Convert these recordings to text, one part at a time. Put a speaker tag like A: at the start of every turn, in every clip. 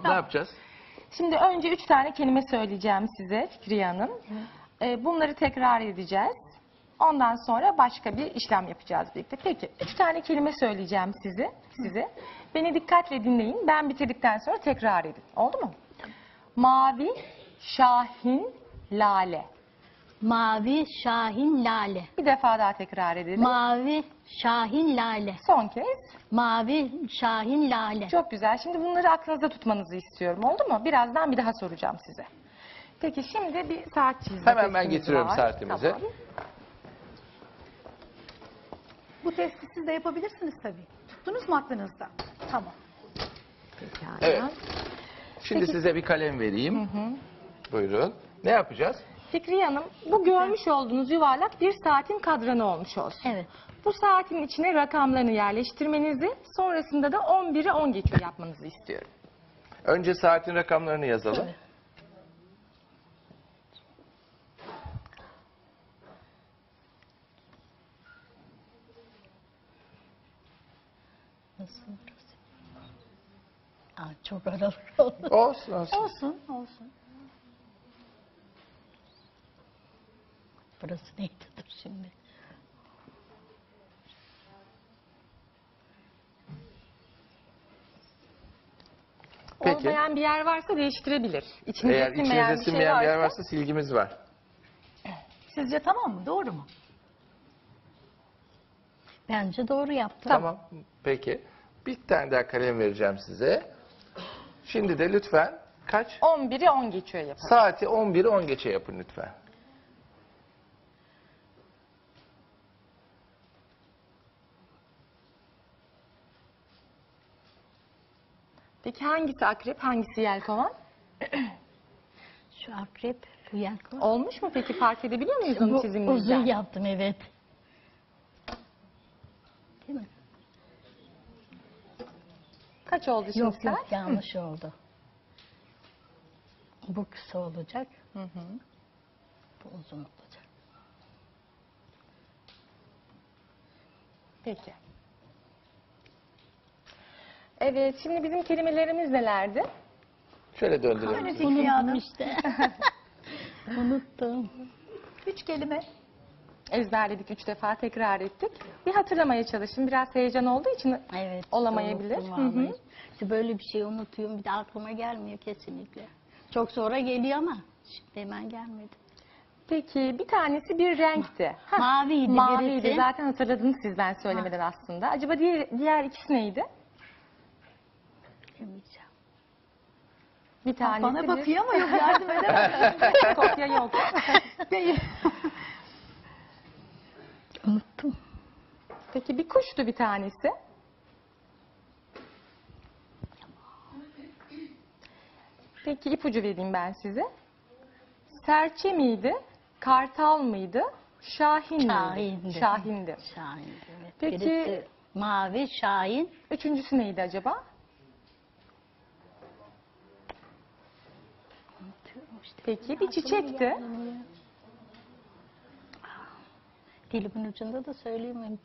A: Ne yapacağız?
B: Şimdi önce 3 tane kelime söyleyeceğim size Fikriye Hanım. Bunları tekrar edeceğiz. Ondan sonra başka bir işlem yapacağız birlikte. Peki 3 tane kelime söyleyeceğim size. Beni dikkatle dinleyin. Ben bitirdikten sonra tekrar edin. Oldu mu? Mavi, şahin, lale.
C: Mavi, şahin, lale.
B: Bir defa daha tekrar edelim.
C: Mavi, şahin, lale.
B: Son kez.
C: Mavi, şahin, lale.
B: Çok güzel. Şimdi bunları aklınızda tutmanızı istiyorum. Oldu mu? Birazdan bir daha soracağım size. Peki şimdi bir saat çizgi.
A: Hemen ben getiriyorum
B: var.
A: saatimizi.
B: Tamam.
D: Bu testi siz de yapabilirsiniz tabii. Tuttunuz mu aklınızda? Tamam.
B: Pekala.
A: Evet. Şimdi size bir kalem vereyim. Buyurun. Ne yapacağız?
B: Fikriye Hanım, bu görmüş olduğunuz yuvarlak bir saatin kadranı olmuş olsun.
C: Evet.
B: Bu saatin içine rakamlarını yerleştirmenizi, sonrasında da 11'e 10 geçiyor yapmanızı istiyorum.
A: Önce saatin rakamlarını yazalım.
C: Evet. Nasıl burası? Aa, çok aralık oldu.
A: Olsun olsun.
D: Olsun, olsun.
C: Burası neydi? Dur şimdi.
A: Peki.
B: Olmayan bir yer varsa değiştirebilir. İçinize
A: Eğer
B: sinmeyen
A: içinizde sinmeyen bir yer varsa silgimiz var.
D: Sizce tamam mı? Doğru mu?
C: Bence doğru yaptım.
A: Tamam. Peki. Bir tane daha kalem vereceğim size. Şimdi de lütfen kaç?
B: 11'e 10 geçiyor yapalım.
A: Saati 11'i 10 geçe yapın lütfen.
B: Peki hangisi akrep, hangisi yelkovan?
C: Şu akrep, bu yelkovan.
B: Olmuş mu peki? Fark edebiliyor muyuz onu
C: Bu
B: çiziminizden?
C: uzun yaptım, evet. Değil mi?
B: Kaç oldu şimdi
C: Yok
B: saat?
C: yok, yanlış oldu. Bu kısa olacak. Bu uzun olacak.
B: Peki. Evet, şimdi bizim kelimelerimiz nelerdi?
A: Şöyle döndürelim.
D: Öyle
A: sizi.
D: Fikriye
C: Unuttum
D: Hanım.
C: işte. Unuttum.
D: 3 kelime.
B: Ezberledik 3 defa, tekrar ettik. Bir hatırlamaya çalışın. Biraz heyecan olduğu için
C: Evet.
B: olamayabilir.
C: unuttum
B: Hı hı.
C: vallahi. İşte böyle bir şey unutuyorum. Bir de aklıma gelmiyor kesinlikle. Çok sonra geliyor ama şimdi hemen gelmedi.
B: Peki bir tanesi bir renkti. Hah,
C: Maviydi
B: Maviydi.
C: birisi.
B: Zaten hatırladınız siz ben söylemeden aslında. Acaba diğer ikisi neydi?
C: Demeyeceğim.
B: Bir tanesi
D: Bana bakıyor ama yok, yardım edemem.
B: kopya yok.
D: Değil.
C: Unuttum.
B: Peki bir kuştu bir tanesi. Peki ipucu vereyim ben size. Serçe miydi? Kartal mıydı? Şahin miydi?
C: Şahindi.
B: Şahindi.
C: Şahin. Evet.
B: Peki-
C: Birisi mavi, şahin.
B: Üçüncüsü neydi acaba?
C: Unutuyorum işte.
B: Peki bir çiçekti.
C: Dilimin ucunda da söyleyeyim.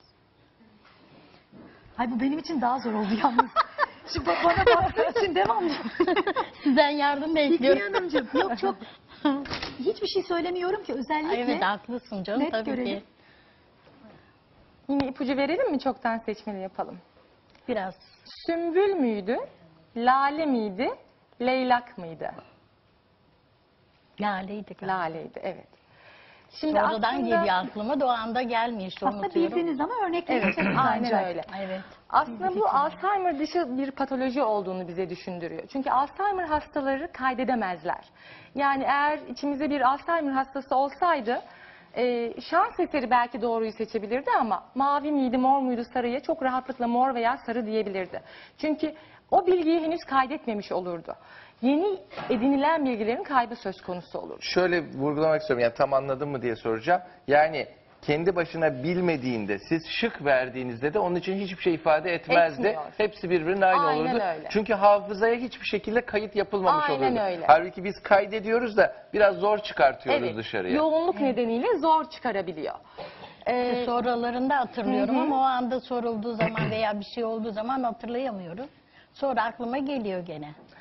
D: Ay bu benim için daha zor oldu yalnız. Şimdi bana baktığı için devamlı.
C: Sizden yardım
D: Fikriye
C: bekliyorum.
D: Hanımcığım, yok çok hiçbir şey söylemiyorum ki özellikle.
C: Evet, haklısın canım,
D: Net
C: tabii
D: görelim.
C: ki.
B: Yine ipucu verelim mi? Çoktan seçmeli yapalım.
C: Biraz.
B: Sümbül müydü? Lale miydi? Leylak mıydı?
C: Laleydi galiba.
B: Laleydi, evet. Şimdi
C: Sonradan
B: aslında-
C: geliyor aklıma, da o anda gelmiyor işte,
D: Aslında
C: unutuyorum.
D: bildiniz ama örnekleyeceksiniz
B: Aynen
D: ancak.
B: öyle.
C: Evet.
B: Aslında bu Alzheimer dışı bir patoloji olduğunu bize düşündürüyor. Çünkü Alzheimer hastaları kaydedemezler. Yani eğer içimizde bir Alzheimer hastası olsaydı şans eseri belki doğruyu seçebilirdi ama mavi miydi, mor muydu, sarıya çok rahatlıkla mor veya sarı diyebilirdi. Çünkü o bilgiyi henüz kaydetmemiş olurdu. Yeni edinilen bilgilerin kaybı söz konusu olur.
A: Şöyle vurgulamak istiyorum. Yani tam anladın mı diye soracağım. Yani kendi başına bilmediğinde, siz şık verdiğinizde de onun için hiçbir şey ifade etmezdi.
B: Etmiyor.
A: Hepsi birbirine aynı
B: Aynen
A: olurdu.
B: öyle.
A: Çünkü hafızaya hiçbir şekilde kayıt yapılmamış
B: Aynen
A: olurdu.
B: öyle.
A: Halbuki biz kaydediyoruz da biraz zor çıkartıyoruz
B: Evet,
A: dışarıya.
B: yoğunluk nedeniyle zor çıkarabiliyor.
C: Sonralarında hatırlıyorum ama o anda sorulduğu zaman veya bir şey olduğu zaman hatırlayamıyorum. Sonra aklıma geliyor gene.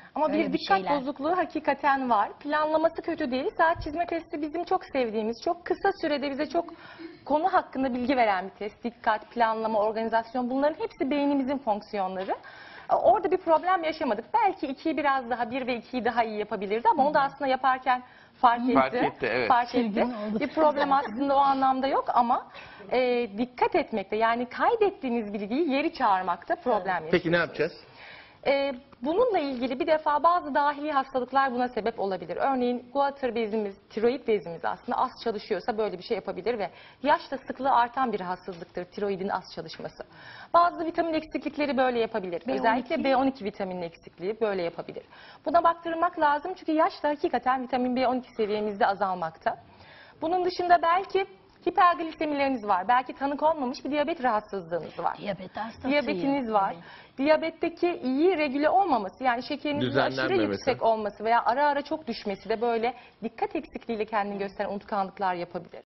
B: Ama
C: Öyle
B: bir
C: bir
B: dikkat
C: şeyler.
B: bozukluğu hakikaten var. Planlaması kötü değil. Saat çizme testi bizim çok sevdiğimiz, çok kısa sürede bize çok konu hakkında bilgi veren bir test. Dikkat, planlama, organizasyon, bunların hepsi beynimizin fonksiyonları. Orada bir problem yaşamadık. Belki 2'yi biraz daha, 1 ve 2'yi daha iyi yapabilirdi ama onu da aslında yaparken fark etti.
A: Fark etti, evet.
B: Fark etti.
C: Çılgın oldu.
B: Bir problem aslında o anlamda yok ama dikkat etmekte, yani kaydettiğiniz bilgiyi geri çağırmakta problem yaşıyor.
A: Peki ne yapacağız?
B: Bununla ilgili bir defa bazı dahili hastalıklar buna sebep olabilir. Örneğin guatr bezimiz, tiroid bezimiz aslında az çalışıyorsa böyle bir şey yapabilir ve yaşla sıklığı artan bir hastalıktır tiroidin az çalışması. Bazı vitamin eksiklikleri böyle yapabilir.
C: B12.
B: Özellikle B12 vitaminin eksikliği böyle yapabilir. Buna baktırmak lazım çünkü yaşla hakikaten vitamin B12 seviyemizde azalmakta. Bunun dışında belki hiperglisemileriniz var. Belki tanı konmamış bir diyabet rahatsızlığınız var.
C: Diyabet hastasıyım.
B: Diyabetiniz var. Diyabetteki iyi regüle olmaması, yani şekerinizin aşırı
A: Düzenlenmemesi.
B: yüksek olması veya ara ara çok düşmesi de böyle dikkat eksikliğiyle kendini gösteren unutkanlıklar yapabilir.